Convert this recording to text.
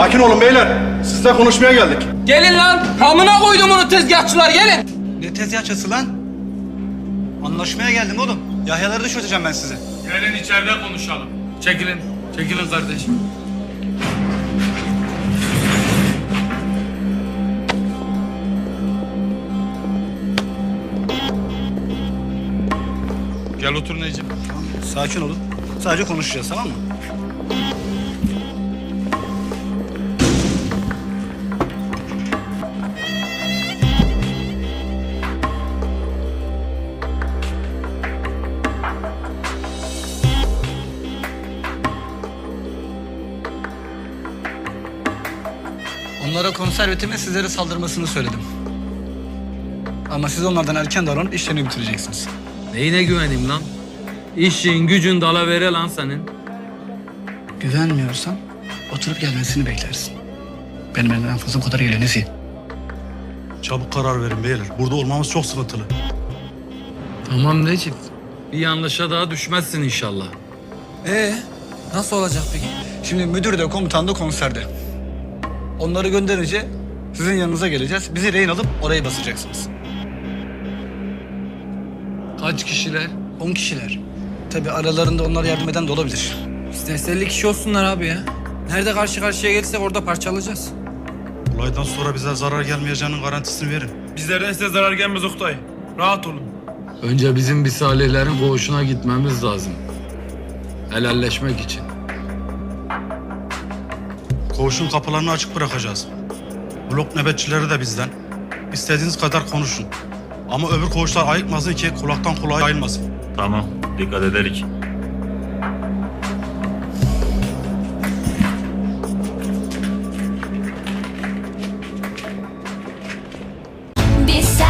Sakin olun beyler. Sizle konuşmaya geldik. Gelin lan. Amına koydum onu tezgahçılar gelin. Ne tezgahçısı lan? Anlaşmaya geldim oğlum. Yahyaları da çözeceğim ben size. Gelin içeride konuşalım. Çekilin. Çekilin kardeşim. Gel otur Necip. Sakin olun. Sadece konuşacağız, tamam mı? Onlara konservatimin sizlere saldırmasını söyledim. Ama siz onlardan erken davranıp işlerini bitireceksiniz. Neyine güveneyim lan? İşin gücün dalavere lan senin. Güvenmiyorsan oturup gelmesini beklersin. Benim elimden en fazla bu kadar geliyor Nesi. Çabuk karar verin beyler. Burada olmamız çok sıkıntılı. Tamam Necip. Bir yanlışa daha düşmezsin inşallah. Nasıl olacak peki? Şimdi müdür de komutan da konserde. Onları gönderince sizin yanınıza geleceğiz. Bizi rehin alıp orayı basacaksınız. Kaç kişiler? 10 kişiler. Tabii aralarında onlara yardım eden de olabilir. İsterse 50 kişi olsunlar abi ya. Nerede karşı karşıya gelirsek orada parçalayacağız. Olaydan sonra bize zarar gelmeyeceğinin garantisini verin. Bizlerden size zarar gelmez Oktay. Rahat olun. Önce bizim bir Salihlerin koğuşuna gitmemiz lazım. Helalleşmek için. Koğuşun kapılarını açık bırakacağız. Blok nöbetçileri de bizden. İstediğiniz kadar konuşun. Ama öbür koğuşlar ayıkmasın ki kulaktan kulağa yayılmasın. Tamam, dikkat ederik. Biz